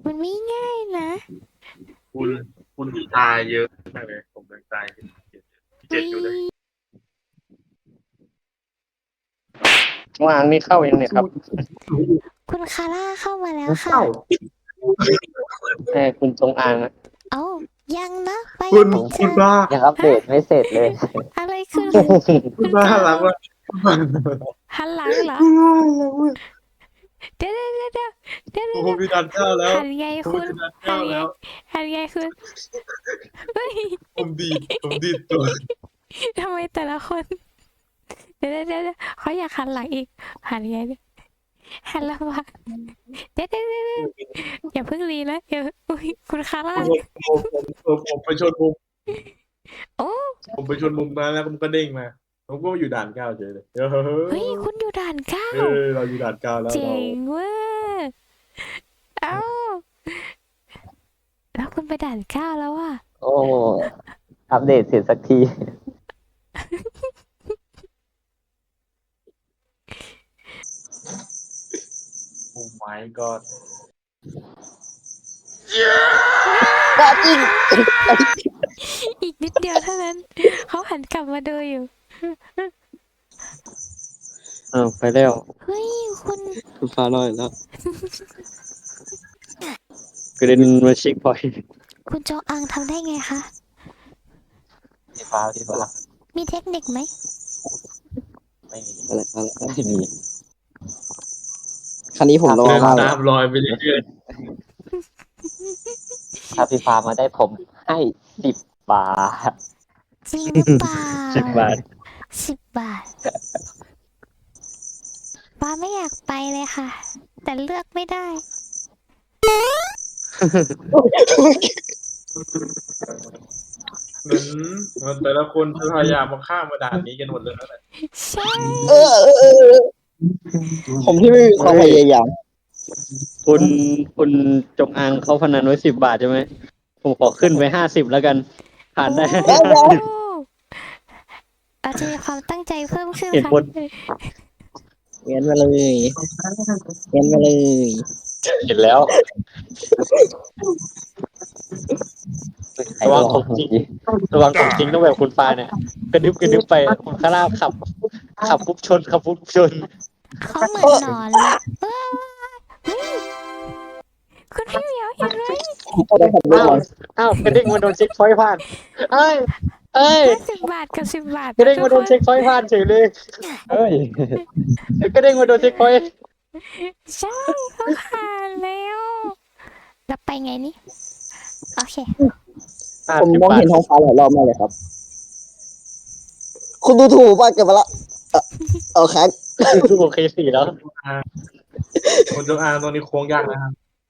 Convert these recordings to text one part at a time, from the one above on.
มันไม่ง่ายนะคุณคุณตายเยอะมากเลยผมยังตายที่เจ็วิดอยู่เลยวางนี่เข้ายังเนี่ยครับคุณคาร่าเข้ามาแล้วค่ะเอ้าแต่คุณจงอางอะเอ้ายังนะไปคุยังณไม่เจอคุณบ้ายังอัปเดตไม่เสร็จเลยอะไรขึ้นคุณบ้าคุณฟ้าหลังว่าหันหลังเหรอคุณบ้าหลังว่าเดี๋ยวเดี๋ยวเดี๋ยวเดี๋ยวเดี๋ยวผมมีดันเจ้าแล้วหันไงผมคุณมีดันหัเจ้านไงแล้วหันไงคุณเฮ้ยผมดีดตัวทำไมแต่ละคนเดี๋ยวเดี๋ยวเดี๋ยวเขาอยากหันหลังอีกหันไงเนี่ยหันหลังมาเดี๋ยวเดี๋ยวเดี๋ยวอย่าเพิ่งรีนะอย่าอุ้ยคุณคาร่าผมไปชนมุมโอ้ผมไปชนมุมมาแล้วผมก็เด้งมาผมก็อยู่ด่านเก้าเฉยเลยเฮ้ยคุณอยู่ด่านเก้าเราอยู่ด่านเก้าแล้วเจ๋เรางเว้ยเอ้าแล้วคุณไปด่านเก้าแล้วอ่ะโอ้อัปเดตเสร็จสักทีโอ้ my god บ้าจริงอีกนิดเดียวเท่านั้นเขาหันกลับมาดูอยู่อ้าวไปแล้วเฮ้ยคุณคุณฟ้าลอยแล้วกระเด็นมาเช็คพอยต์คุณจงอังทำได้ไงคะพี่ฟ้ามีเทคนิคไหมไม่มีอะไรไม่มีคันนี้ผมรอเดินมากเลยตามรอยไปเรื่อยถ้าพี่ฟ้ามาได้ผมให้10 บาทจริงหรือเปล่า 10 บาท 10 บาทป้าไม่อยากไปเลยค่ะ แต่เลือกไม่ได้เหมือนแต่ละคนพยายามมาข้ามมาด่านนี้กันหมดเลยนะใช่ผมที่ไม่มีความพยายามคุณคุณจงอางเขาพนันไว้10 บาทใช่ไหมผมขอขึ้นไป50แล้วกัน ผ่านได้โอ้เราจะมีความตั้งใจเพิ่มขึ้นเหตุค่ะผลเงินมาเลยเงินมาเลยเห็นแล้ว ระวังของจริงระวังของจริงต้องแบบคุณฟ้าเนี่ยกระดึบไปคุณคาร่าขับปุ๊บชนขับปุ๊บชนเขาเหมือนหนอนเลยเฮ้ยคุณพี่เหมียวเห็นไหมอ้าวกระดิ่งมาโดนเช็คพอยต์ผ่านเอ้ย 10 บาทกับ10 บาทกระดิ่งมาโดนเช็คพอยต์ผ่านเฉยเลยเฮ้ยกระดิ่งมาโดนเช็คพอยต์ใช่เขาผ่านแล้วแล้วไปไงนี่โอเคผมมองเห็นท้องฟ้าหลายรอบมากเลยครับ คุณดูถูกป่ะเก็บมาละเอาครับโอเค4แล้วคนจงอางตรงนี้โค้งยากนะครับ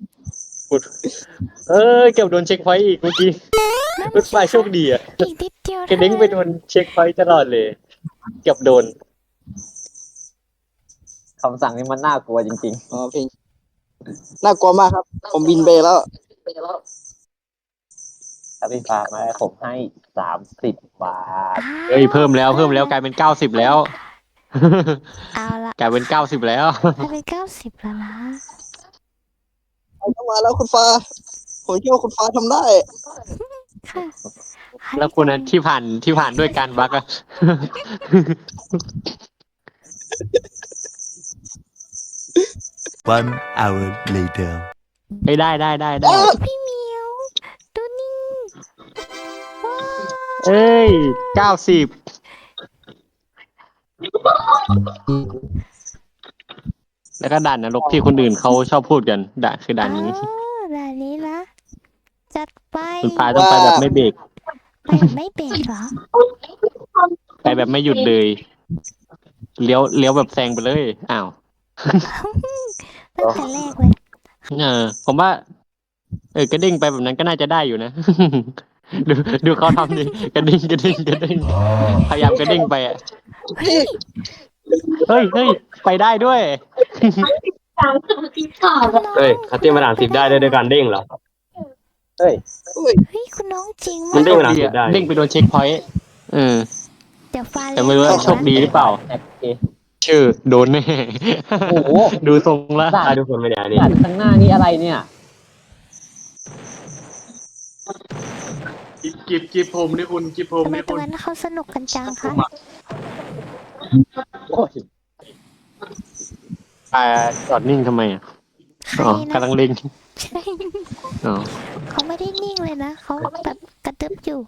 เก็บโดนเช็คพอยต์อีกเมื่อกี้รถไฟโชคดีอ่ะอีกนิดเดียวกระดิ่งไปโดนเช็คพอยต์ตลอดเลยเกือบโดนคำสั่งนี้มันน่ากลัวจริงๆอ๋อพี่น่ากลัวมากครับ ผมบินไปแล้วถ้าพี่ฟ้ามาได้ผมให้30 บาทเฮ้ยเพิ่มแล้วกลายเป็น90แล้วเอาละกลายเป็น90แล้วกลายเป็น90แล้วนะเอาเข้ามาแล้วคุณฟ้า ผมเชื่อว่าคุณฟ้าทำได้ค่ะแล้วคนนั้นที่ผ่านด้วยการบักอะ 1 hour later. ไม่ได้พี่เหมียวดูนี่ว้าวเอ้ย90แล้วก็ด่านนรกที่คนอื่นเขาชอบพูดกันด่านคือด่านนี้ด่านนี้นะจัดไปคุณปาต้องไปแบบไม่เบรกไปแบบไม่เบรกเหรอไปแบบไม่หยุดเลยเลี้ยวแบบแซงไปเลยอ้าวตั้งแต่แรกเลยผมว่ากระดิ่งไปแบบนั้นก็น่าจะได้อยู่นะ ดูเขาทำดิกระดิ่งพยายามกระดิ่งไปอ่ะเฮ้ยเฮ้ยไปได้ด้วยเฮ้ยคัตตี้มาด่าน10ได้ด้วยการเด้งเหรอเฮ้ยเฮ้ยคุณน้องจริงมันมากเด้งมาด่าน10ได้เด้งไปโดนเช็คพอยต์เดี๋ยวฟ้าแต่ไม่รู้ว่าโชคดีหรือเปล่า ชื่อโดนแน่โอ้โหดูทรงละตายทุกคนไม่ได้นี่ด่านข้างหน้านี่อะไรเนี่ยกิบผมนี่คุณกิบผมทำไมนี่ตรคุงณนั้นเขาสนุกกันจังคะโอ้ยจอดนิ่งทำไมอ่ะใครอ๋อนะกำลังเล็งใช่อ๋อเขาไม่ได้นิ่งเลยนะเขาแบบกระตึบอยู่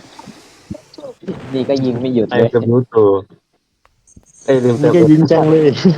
นี่ก็ยิงไม่หยุดไอ้เลยจะรู้ตัวลืมเตินี่มก็ยิงจังเลย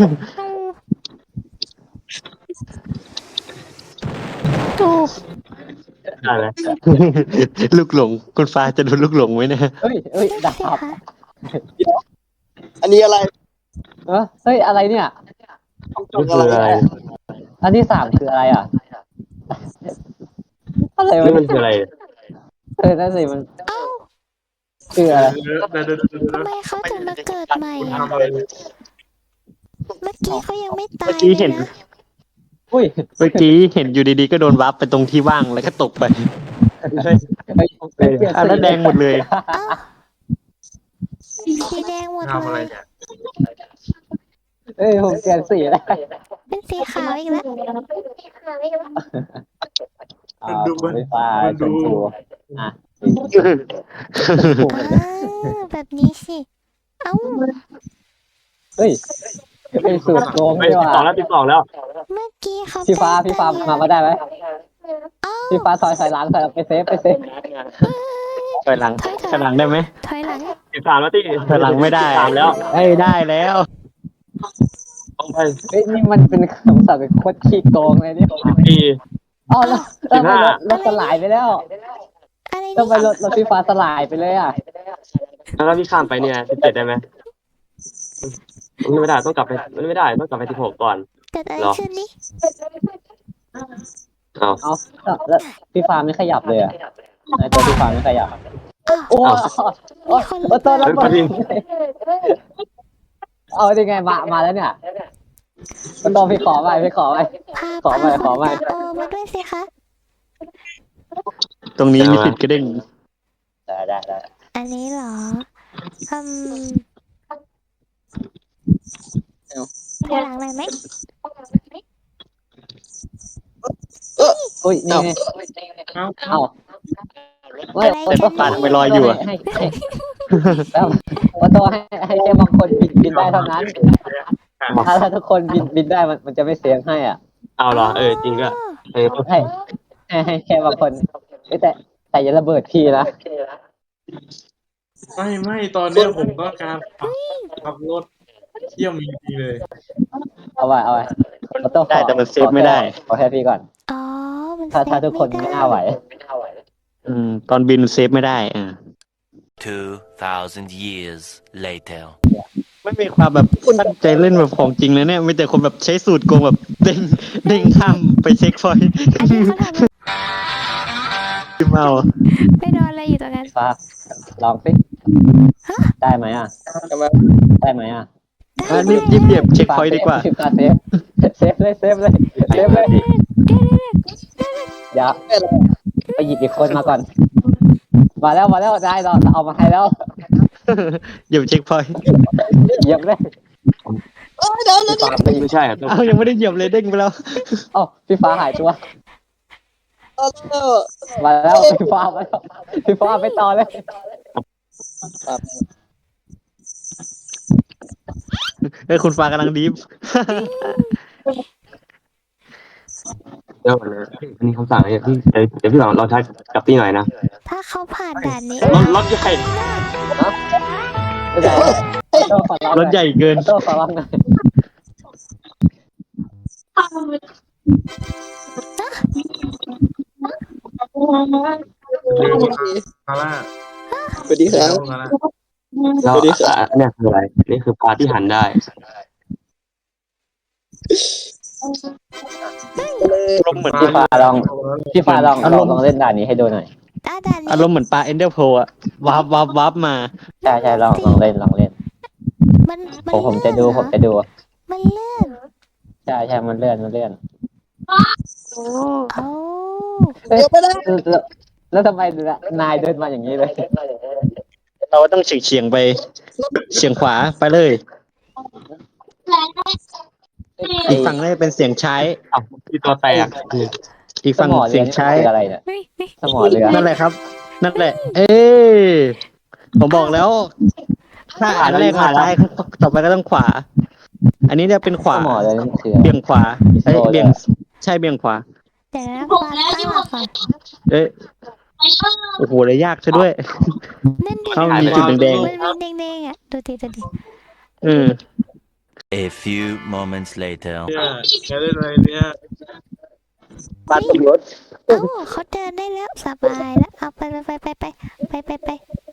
ได้ไหมลูกหลงคุณฟ้าจะโดนลูกหลงไหมเนะเฮ้ยเฮ้ยนั่นดาสิบคะอันนี้อะไรเฮ้ยอะไรเนี่ยนี่คืออะไรอันที่สามคืออะไรอ่ะอะไรนี่วะมันคืออะไรนั่นสิมันเอ้าคืออะไรเดี๋ยวทำไมเขาถึงมาเกิดใหม่คุณอะทำอะไรเมื่อกี้เขายังไม่ตายเมื่อกี้เห็นลยะอุ้ยเมื่อกี้เห็นอยู่ดีๆก็โดนวับไปตรงที่ว่างแล้วก็ตกไปเฮ้ยเปลี่ยนอ่ะแล้วแดงหมดเลยเอ้าสีแดงหมดทำอะเลไรยเนี่ยเฮ้ยผมเปลี่ยนสีแล้วเป็นสีขาวอีกแล้วผมไม่ฟ้าชมพูอ่ะแบบนี้สิ เอ้าเฮ้ยเป็นสูตรโกงไม่ดีกว่า 12 แล้วเมื่อกี้เขาพี่ฟ้าแกล้งมาได้ไหมเอ้าพี่ฟ้าถอยหลังถอยไปเซฟถอยหลังถอยหลังได้ไหมถอยหลัง 13แล้วที่ถอยหลังไม่ได้ 13แล้วไม่ได้แล้วต้องไปเฮ้ยนี่มันเป็นคำสั่งเป็นโคตรขี้โกงเลยนี่ 14 อ๋อแล้วรถสลายไปแล้วอะไรทำไมนี่รถพี่ฟ้าสลายไปเลยอ่ะแล้วพี่ข้ามไปเนี่ย17ได้ไหมไม่ได้ต้องกลับไปไม่ได้ต้องกลับไป16ก่อนเกิดอะไรเหรอขึ้นนี่เอาเอาแล้วพี่ฟ้าไม่ขยับเลยอ่ะตัวพี่ฟ้าไม่ขยับอ้าวโอ้มีคนหรือเปตัวล่าระเบิดเอาได้ไงมาแล้วเนี่ยตัวพี่ขอไปพาขอพาขอคนไปตามโอมาด้วยสิคะตรงนี้มีสิทธิ์กระเด้งได้อันนี้เหรออืมถอยหลังหน่อยไหมอุ้ยนี่ไงเอ้าเอาแต่ก็ปาดไปลอยอยู่อะให้แล้วว่าตัวให้แค่บางคนบินได้เท่านั้นถ้าทุกคนบินได้มันจะไม่เสียงให้อ่ะเอาเหรอจริงก็เออให้แค่บางคนแต่อย่าระเบิดพี่นะไม่ตอนเนี้ยผมต้องการขับรถเที่ยวมีดีเลยเอาไว้ต้องได้แต่มันเซฟไม่ได้ขอแค่พี่ก่อนอ๋อ มันถ้าทุกคนไม่น่าไหวตอนบินเซฟไม่ได้ 2,000 years later. ไม่มีความแบบตั้งใจเล่นแบบของจริงเลยเนี่ยมีแต่คนแบบใช้สูตรโกงแบบเด้งข้ามไปเช็คพอยต์อันนี้เขาทำที่เมาไปโดนอะไรอยู่ตรงนั้นฟ้าลองสิได้ไหมอ่ะได้ไหมอ่ะรีบเหยียบเช็คพอยต์ดีกว่าพี่ฟ้าเซฟเลยอย่าไปหยิบอีกคนมาก่อน มาแล้วได้เราเอามาให้แล้วเหยียบเช็คพอยต์เหยียบเลยพี่ฟ้าไปไม่ใช่ต้องเอายังไม่ได้เหยียบเลยเด้งไปแล้วเอ้าพี่ฟ้าหายตัวมาแล้วพี่ฟ้าไปต่อเลยคุณฟ้ากำลังดีฟเดี๋ยวอันนี้คำสั่งอะไรพี่เดี๋ยวพี่ลองใช้กับพี่หน่อยนะถ้าเขาผ่านด่านนี้รถใหญ่รถใหญ่เกินโต้ขอร้องหน่อยคาร่าสวัสดีครับคาร่าแล้วเนี่ยคืออะไรนี่คือปลาที่หันได้อารมณ์เหมือนพี่ฟ้าลองเล่นด่านนี้ให้ดูหน่อยด่านอานี้รมณ์เหมือนปลาเอนเดอร์โพอะวับมาใช่ลองเล่นมันผมจะดูมันเลื่อนใช่มันเลื่อนโอ้แล้วทำไมนายเดินมาอย่างนี้เลยเราต้องเฉียงไปเฉียงขวาไปเลย อีกฝั่งน่าจะเป็นเสียงใช้อ้าวพี่ตัวแตกอีกสฝั่งมอเรืเสีอยงนี่ใช้คืออะไรเนี่ยเฮ้ยเฮ้ยสมอเรือนั่นแหละครับ นั่นแหละ เอ้ยผมบอกแล้ว ถ้าอันแรกมาซ้ายต่อไปก็ต้องขวา อันนี้จะเป็นขวาสมอเรือนี่คืออะไรเบี่ยงขวาเอ้ยโซเลยเบี่ยงใช่เบี่ยงขวาเดี๋ยวนะฟ้าตั้งหลักก่อนเอ้ยโอ้โหเลยยากซะด้วยนั่นดิเขามีจุดแดงมันมีแดงๆอ่ะดูดิดูดิๆเออ A few moments later. เนี่ยแกเล่นอะไรเนี่ยบ้านตำรวจเอ้าเขาเดินได้แล้วสบายแล้วเอาไปไป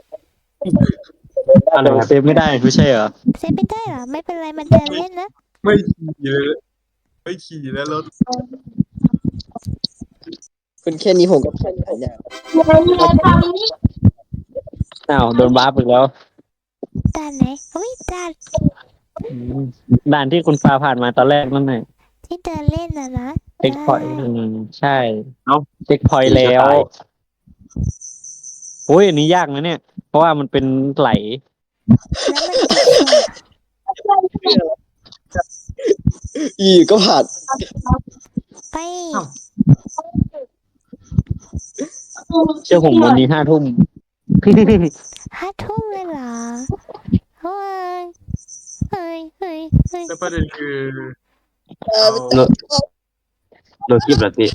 อะไรเซฟไม่ได้ไม่ใช่เหรอเซฟไม่ได้เหรอไม่เป็นไรมันเดินเล่นนะไม่ขี่เลยไม่ขี่แล้วรถคุณแค่นี้ผมก็แค่นี้อย่างอ้าวโดนวาร์ปอีกแล้วด่านไหนอุ้ยด่านด่านที่คุณฟ้าผ่านมาตอนแรกนั่นไงที่เดินเล่นนะเช็คพอยต์ใช่เอ้าเช็คพอยต์แล้วโอ้ยอันนี้ยากนะเนี่ย เพราะว่ามันเป็นไหลแล้วมันติดอีก็ผ่านไปเชื่อผมวันนี้5 ทุ่ม 5 ทุ่มเลยเหรอเฮ้ยแล้วประเด็นคือโดนคลิปเหรอพี่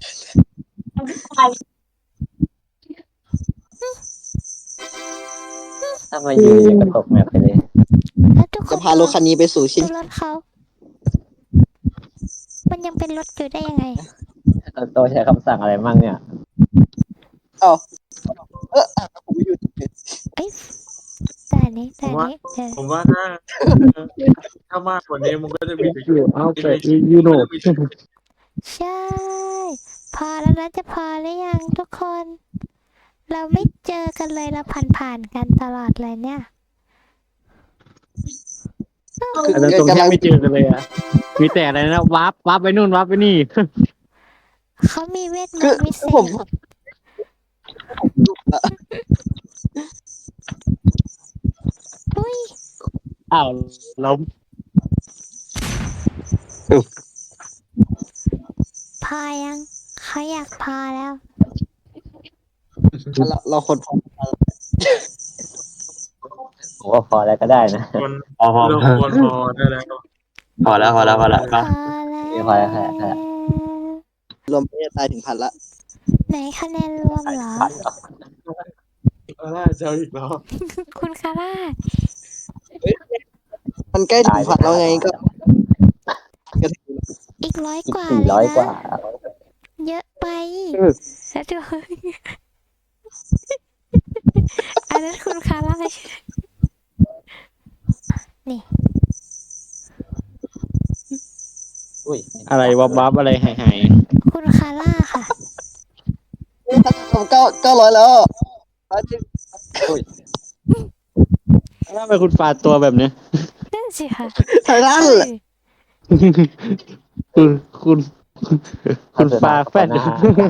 ถ้ามาอยู่ยังกระตกแมปไปเลยแล้วทุกคจะนพารถคันนี้ไปสู่ชิ้นดูรถเขา มันยังเป็นรถอยู่ได้ยังไงโตใช้คำสั่งอะไรมั่งเนี่ยผมอยู่เอ้ยด่านนี้เดี๋ยวผมว่าถ้ามากกว่านี้มันก็จะมีเอาไปยูโนใช่ พอแล้วนะจะพอหรือยังทุกคน เราไม่เจอกันเลยเราผ่านกันตลอดเลยเนี่ยอันนั้นตรงแทบไม่เจอกันเลยอ่ะ มีแต่อะไรนะวาร์ปไปนู่นวาร์ปไปนี่เขามีเวทมคือนต์วิเศผมษอุ้ยอ้าวล้มพายังเขาอยากพาแล้วเราคนผมว่าพอแล้วก็ได้นะคนพอพอลงคนพอได้แล้วพอแล้วพอแล้วพอแล้วพอพอแล้วค่ะรวมไม่ได้ตายถึงพันละไหนคะแนนรวมเหรอเจ้าอีกแล้วคุณคาร่ามันใกล้ถึงพันแล้วไงก็อีก100 กว่า 400 เลยกว่านะเยอะไปแล้วดูอันนั้นคุณคาร่าใช่นี่อุ้ยอะไรวับอะไรหายคุณคาร่าค่ะผม900แล้วๆแล้วทำไมคุณฟ้าตัวแบบเนี้ยนั่นสิค่ะไทยรันคุณฟ้าแฟนแล้ว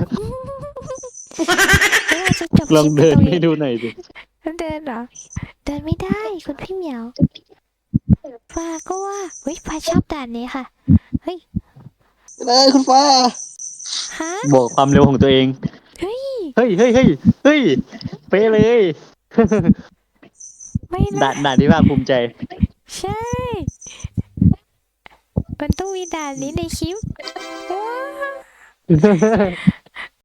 เราจะจบลองคลิปเดินตรงให้ดูหน่อยสิเดินเหรอ เดินไม่ได้คุณพี่เหมียวฟ้าก็ว่าเฮ้ยฟ้าชอบด่านนี้ค่ะ เฮ้ยเลยคุณฟ้าฮะบวกความเร็วของตัวเองเฮ้ยเฮ้ยเป๊ะเลยไม่ด่านะนด่านที่ภาคภูมิใจใช่ มันต้องมีด่านนี้ในคลิปว้าว